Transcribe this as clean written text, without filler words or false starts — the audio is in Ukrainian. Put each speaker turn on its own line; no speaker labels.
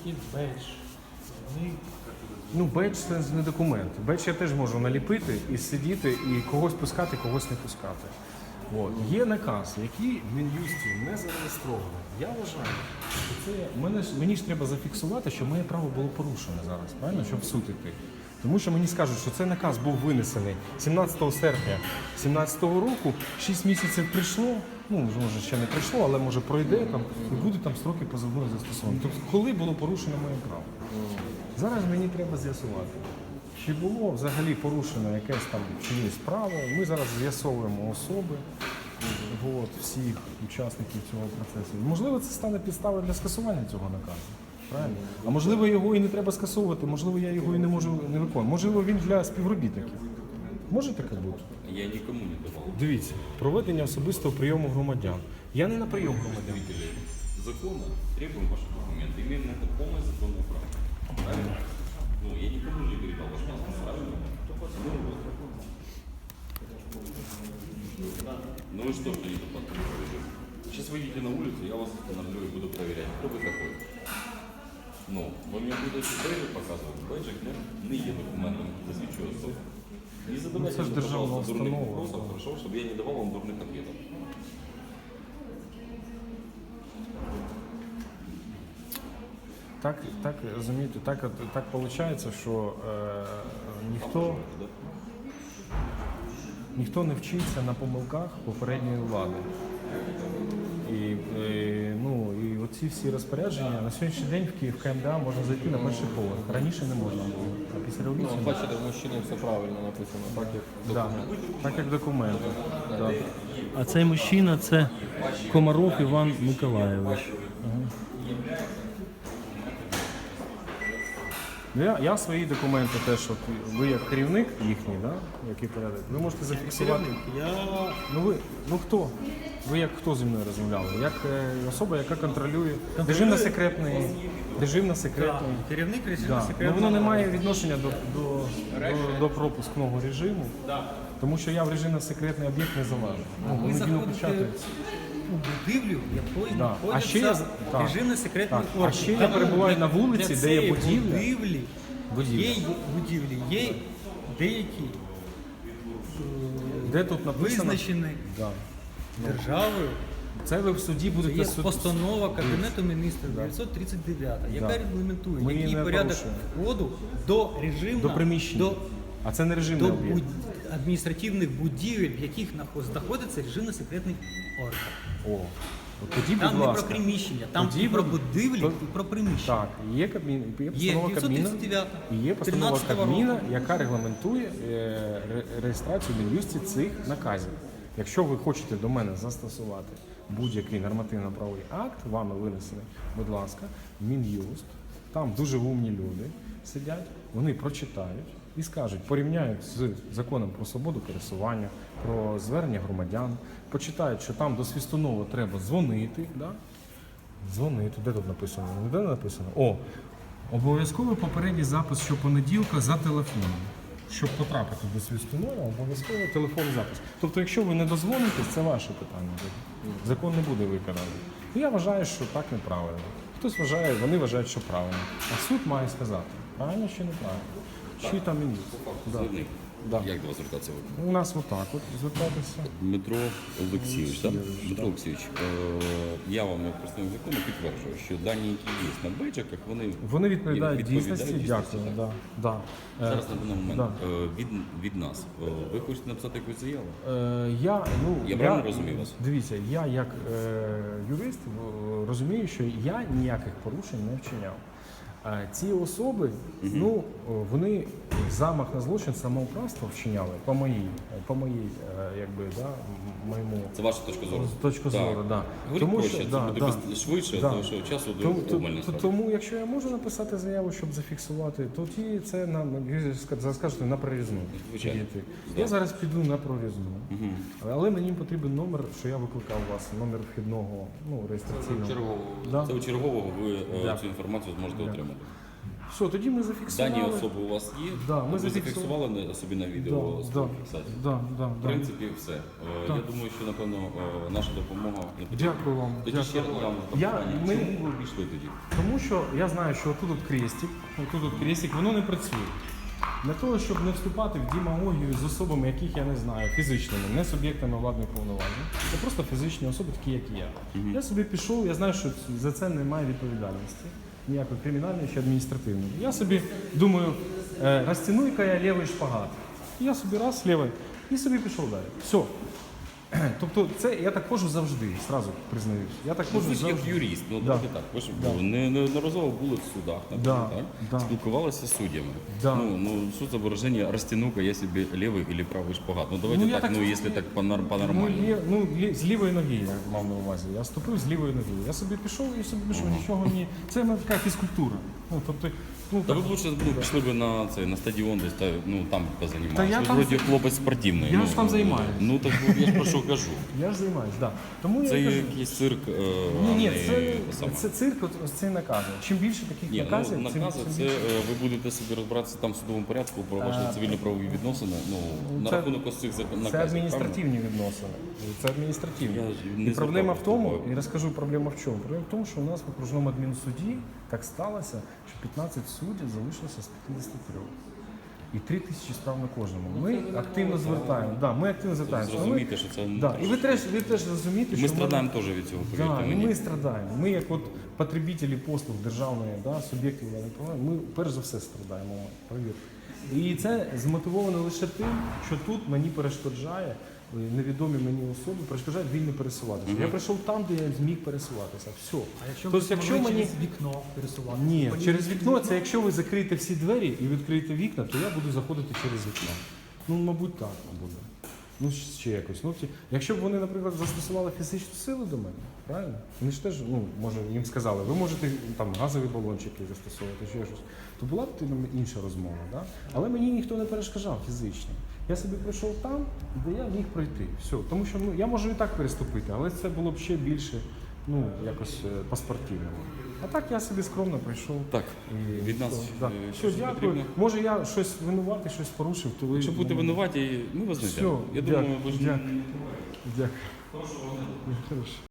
є бейдж. Вони...
Ну, бейдж це не документ. Бейдж я теж можу наліпити і сидіти, і когось пускати, когось не пускати. От. Є наказ, який в Мін'юсті не зареєстрований. Я вважаю, що це мені ж треба зафіксувати, що моє право було порушене зараз, правильно, щоб в суд іти. Тому що мені скажуть, що цей наказ був винесений 17 серпня 2017 року, 6 місяців прийшло, ну, може ще не прийшло, але може пройде там, і будуть там строки позовного застосування. Тобто, коли було порушено моє право? Зараз мені треба з'ясувати, чи було взагалі порушено якесь там чиєсь право. Ми зараз з'ясовуємо особи, всіх учасників цього процесу. Можливо, це стане підставою для скасування цього наказу. Правильно? А можливо, його і не треба скасовувати, можливо, я його і не можу не виконувати. Можливо, він для співробітників. Може таке бути?
Я нікому не давав.
Дивіться, проведення особистого прийому громадян. Я не на прийом громадян.
Закона требуем ваши документы. Имеем на это полное законное право. Правильно? Ну, я никому не передал ваш паспорт, правильно? Ну и что, что не подписываете? Сейчас выйдете на улицу, я вас остановлю и буду проверять, кто вы такой. Ну, ви мені будете бейджик показувати. Бейджик не є документом, засвідчує особу. Не задавайте
це ж
мне,
державна
пожалуйста, дурных
установа.
вопросов, хорошо, чтобы я не давал вам дурных ответов.
Так, розумієте, так виходить, що ніхто не вчиться на помилках попередньої влади. І оці всі розпорядження на сьогоднішній день в Київ КМДА можна зайти на перший поверх. Раніше не можна було. А після революції
Бачите, в мужчини все правильно написано, так
як документи. Да.
А цей мужчина це Комаров Іван Миколайович.
Я свої документи теж, от ви як керівник їхній, да, який порядок, ви можете зафіксувати. Ну хто? Ви як хто зі мною розмовляли? Як особа, яка контролює режимно-секретний.
Керівник
Да.
режимно-секретного.
Ну, воно не має відношення до пропускного режиму, тому що я в режимно-секретний об'єкт не залежу.
Ви заходите у будівлю, якої знаходиться режимно-секретний орган.
А ще я перебуваю на вулиці, де є будівля.
Є деякі
Де тут написано?
визначені державою.
Це ви в суді будете
Є постанова Кабінету міністрів 939, яка регламентує, який порядок входу до режимного,
до приміщення. А це не режимний
до
об'єкт.
адміністративних будівель, в яких знаходиться режимно-секретний орган.
Тоді,
Там
будь
не
ласка.
про приміщення, там і про будівлі, і про приміщення.
Так, є постанова Кабміна,
939,
і є постанова
13-го
Кабміна,
року.
яка регламентує реєстрацію в Мін'юсті цих наказів. Якщо ви хочете до мене застосувати будь-який нормативно-правовий акт, вами винесений, будь ласка, в Мін'юст, там дуже умні люди сидять, вони прочитають і скажуть, порівняють з законом про свободу пересування, про звернення громадян, почитають, що там до Свистунова треба дзвонити, да? Дзвонити, де тут написано? Де написано? Обов'язковий попередній запис щопонеділка за телефоном. Щоб потрапити до Свистунова, обов'язково телефонний запис. Тобто, якщо ви не дозвонитесь, це ваше питання. Закон не буде виконаний. Я вважаю, що так неправильно. Хтось вважає, вони вважають, що правильно. А суд має сказати, правильно чи неправильно. Чи там і ні.
Заявник.
Да.
Як до вас звертатися?
У нас отак от звертатися.
Дмитро Олексійович, так? Дмитро Олексійович, я вам як представник закону підтверджую, що дані, які є на бейджиках,
Вони відповідають дійсності.
дійсності,
Дякую.
так?
Да.
Зараз на даний момент від нас. Ви хочете написати якусь заяву? Я правильно розумію вас?
Дивіться, я як юрист розумію, що я ніяких порушень не вчиняв. Ці особи, вони замах на злочин самоуправства вчиняли по моїй моєму
Це ваша точка зору?
Точка зору, так.
Тому що це буде швидше, тому що часу обмежено.
Тому, якщо я можу написати заяву, щоб зафіксувати, то це скажете на прорізну. Я зараз піду на прорізну. Але мені потрібен номер, що я викликав у вас, номер вхідного, реєстраційного.
Це у чергового ви цю інформацію зможете отримати.
Все, тоді ми зафіксували.
Дані особи у вас є?
Да, ми
ви
зафіксували.
зафіксували собі на відео
Да,
свою фіксацію? В принципі, все. Я думаю, що, напевно, наша допомога не потрібна.
Дякую вам.
Тоді ще
Дякую.
вам
Я-
запитання.
ми-
Чому ви обійшли тоді?
Тому що я знаю, що отут от крестик, воно не працює. Для того, щоб не вступати в демагогію з особами, яких я не знаю, фізичними, не суб'єктами владних повноважень, це просто фізичні особи, такі як і я. Я собі пішов, я знаю, що за це немає відповідальності, ніякої кримінальної чи адміністративної. Я собі думаю, розтяну-ка я лівий шпагат. І я собі раз лівий, і собі пішов далі. Все. Тобто це я так ходжу завжди, зразу признаюсь. Я так
Ви
ходжу
ж як
завжди.
юрист, ну
Да.
давайте так. Ви ж неодноразово були в судах, наприклад,
Да,
так?
да.
Спілкувалися з суддями.
Да.
Ну, суд за выражение растяну-ка я себе левый или правый шпагат. Ну давайте
Ну, я
так,
так-
ну если так по-нормальному.
З лівої ноги я мав на увазі. Я ступив з лівої ноги. Я собі пішов і собі пішов, нічого ні. Це в мене така фізкультура. Ну, тобто,
Та
так,
ви б лучше пішли б на цей на стадіон десь та там
Та
позанімалися.
я
Ви
там-
вроді хлопець спортивний.
Я ж там займаюсь.
Ну так я ж про що кажу.
я ж займаюсь, да. Тому
Це
я кажу,
якийсь цирк.
ні,
а не саме.
це цирк, ось це накази. Чим більше таких
Ні,
наказів,
ну,
тим
накази це
більше.
ви будете собі розбиратися там в судовому порядку про ваші цивільно-правові відносини. Ну на
це-
рахунок ось цих наказів.
Це адміністративні відносини. Це адміністративні.
Я не
І проблема в
звертав
тому,
увагу.
і розкажу проблема в чому. Проблема в тому, що у нас в окружному адмінсуді так сталося, що 15 суддів залишилося з 53. І 3 тисячі справ на кожному. Ми активно звертаємо. Да, ми активно звертаємося.
Зрозумійте, що це
Да. І ви теж розумієте,
ми
що
страдаємо теж від цього,
Да,
повірте
і
мені.
ми страдаємо. Ми, як от потребителі послуг державної, да, суб'єктів владної права, ми перш за все страдаємо, повірте. І це змотивовано лише тим, що тут мені перешкоджає невідомі мені особи, перешкоджають вільно пересуватися. Я прийшов там, де я зміг пересуватися. Все.
А якщо
Тобто,
ви
якщо
могли
мені-
через вікно пересувати?
Ні, через вікно це якщо ви закриєте всі двері і відкриєте вікна, то я буду заходити через вікно. Ну, мабуть, так буде. Ну, ще якось. Ну, якщо б вони, наприклад, застосували фізичну силу до мене, правильно? Вони ж теж, ну, може, їм сказали, ви можете там газові балончики застосовувати, ще щось, то була б інша розмова, да? Але мені ніхто не перешкоджав фізично. Я собі прийшов там, де я міг пройти. Все. Тому що я можу і так переступити, але це було б ще більше, ну, якось по-спортивному. А так я собі скромно прийшов.
Так,
І
від нас
да.
щось
Все, дякую.
потрібно?
Може я щось винуватий, щось порушив, то ви...
Якщо будете винуваті, ми вас не
Все,
взяли. Я думаю, ви ж
дякую. Дякую. Хорошо.